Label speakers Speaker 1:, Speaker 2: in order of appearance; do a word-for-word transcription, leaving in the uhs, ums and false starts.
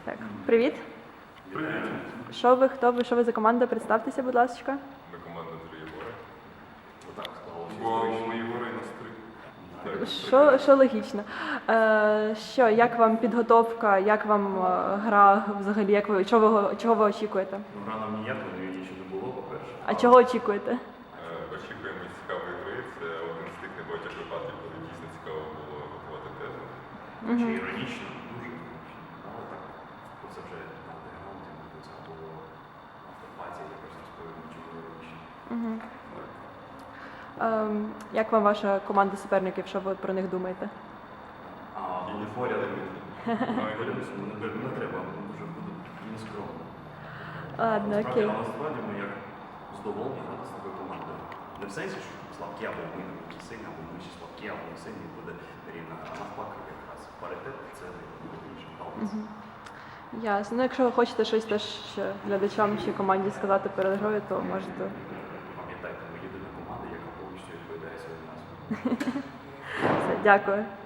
Speaker 1: Так, привіт.
Speaker 2: Привіт.
Speaker 1: Що ви, хто ви, що ви за команда? Представтеся, будь ласка.
Speaker 2: Ми команда три Єгори.
Speaker 3: Отак склалося.
Speaker 2: Бо ми Єгори і нас три. Так,
Speaker 1: Що, що логічно. Е, що, як вам підготовка, як вам е, гра взагалі, як ви, чого ви, чого ви очікуєте?
Speaker 3: Ну, рано ніякої нічого не було, по-перше.
Speaker 1: А чого очікуєте?
Speaker 2: Е, Очікуємо цікавої гри. Це один з тих небагатьох випадків, коли дійсно цікаво було готувати тезу.
Speaker 3: Чи іронічно, дуже іронічно. Але так, це вже на деграунті, це було автопаті, я просто розповім, чому іронічно.
Speaker 1: Угу. Е, як вам ваша команда суперників, що ви про них думаєте?
Speaker 3: А вони поряд. Не не треба, вони дуже будуть нескромно.
Speaker 1: Ладно,
Speaker 3: Насправді,
Speaker 1: окей.
Speaker 3: але насправді ми як задоволені грати з такою командою. Не в сенсі, що слабкі або ми не сильні, або ми ще слабкі, або ми сильні, буде рівна гра. Навпаки, якраз паритет це найголовніше. Баланс.
Speaker 1: Ясно. Ну, якщо ви хочете щось теж ще глядачам чи команді сказати перед грою, то можете.
Speaker 3: Пам'ятайте, ми єдина команда, яка повністю відповідає своїм назвам.
Speaker 1: Все, дякую.